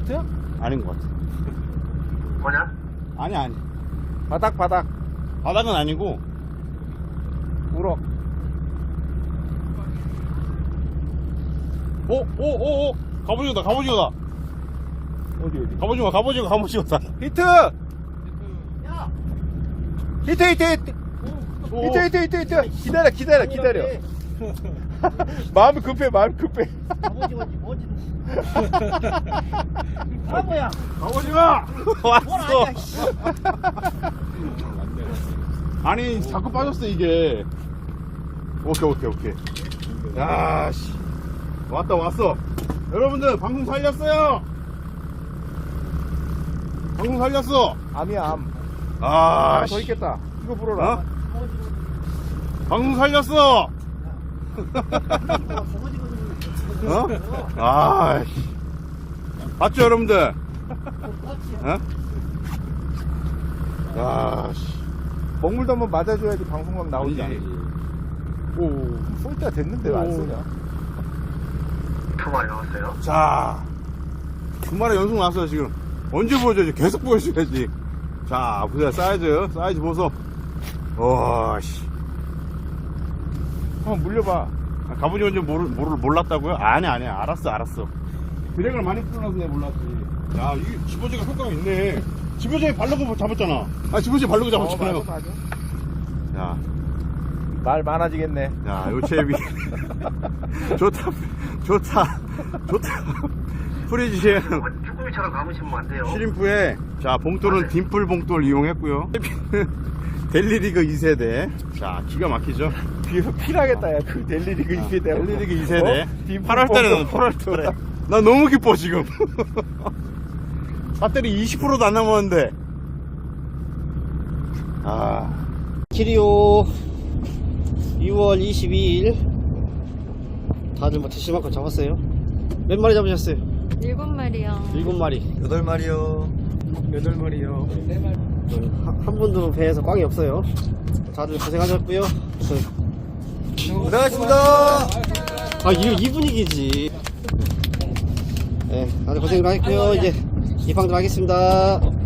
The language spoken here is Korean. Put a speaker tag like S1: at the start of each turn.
S1: 히트야?
S2: 아닌 것 같아.
S3: 뭐냐?
S2: 아니.
S1: 바닥
S2: 바닥은 아니고.
S1: 우럭.
S2: 오. 갑오징어다.
S1: 어디
S2: 갑오징어다.
S1: 히트. 히트. 기다려. 마음이 급해.
S3: 갑오징어지 뭐지? 바보야.
S2: 갑오징어! 왔어! 아니, 자꾸 빠졌어, 이게. 오케이. 야, 씨. 왔어. 여러분들, 방송 살렸어요! 방송 살렸어!
S1: 암이야, 암.
S2: 아,
S1: 하나 더 있겠다. 이거 불어라.
S2: 어? 방송 살렸어! 어? 아, 씨. 봤죠, 여러분들? 어? 아, 씨.
S1: 먹물도 한번 맞아줘야지 방송각 나오지.
S2: 아니지.
S1: 오, 쏠 때가 됐는데 왜 안 쏘냐?
S3: 두 마리 나왔어요.
S2: 자, 주말에 연속 나왔어요, 지금. 언제 보여줘야지? 계속 보여줘야지. 자, 보세요. 사이즈 보소. 와, 씨.
S1: 한번 물려봐.
S2: 갑오징어인지 몰랐다고요? 아니야. 알았어. 드랙을 많이 풀어놔서 내가 몰랐지. 야, 이게 집어제가 효과가 있네. 집어제에 바르고 잡았잖아. 집어제에 바르고 잡았잖아요.
S1: 맞아.
S2: 야,
S1: 말 많아지겠네.
S2: 요체비. 좋다. 프리지엔
S3: 쭈꾸미처럼 감으시면 안 돼요.
S2: 시림프에, 자, 봉돌은 딤플 봉돌 이용했고요. 델리리그 2세대. 자, 기가 막히죠?
S1: 필하겠다, 야. 그 델리리그 2세대.
S2: 델리리그 2세대. 8월달에. 나 너무 기뻐, 지금. 배터리 20%도 안 남았는데.
S4: 키리오 2월 22일 다들 뭐 드실 만큼 잡았어요? 몇 마리 잡으셨어요?
S5: 7마리요.
S4: 7마리.
S1: 8마리요.
S4: 한 분도 배에서 꽝이 없어요. 다들 고생하셨고요.
S1: 고생하셨습니다.
S4: 이 분위기지. 네, 다들 고생 많았고요. 이제 입항 들어가겠습니다.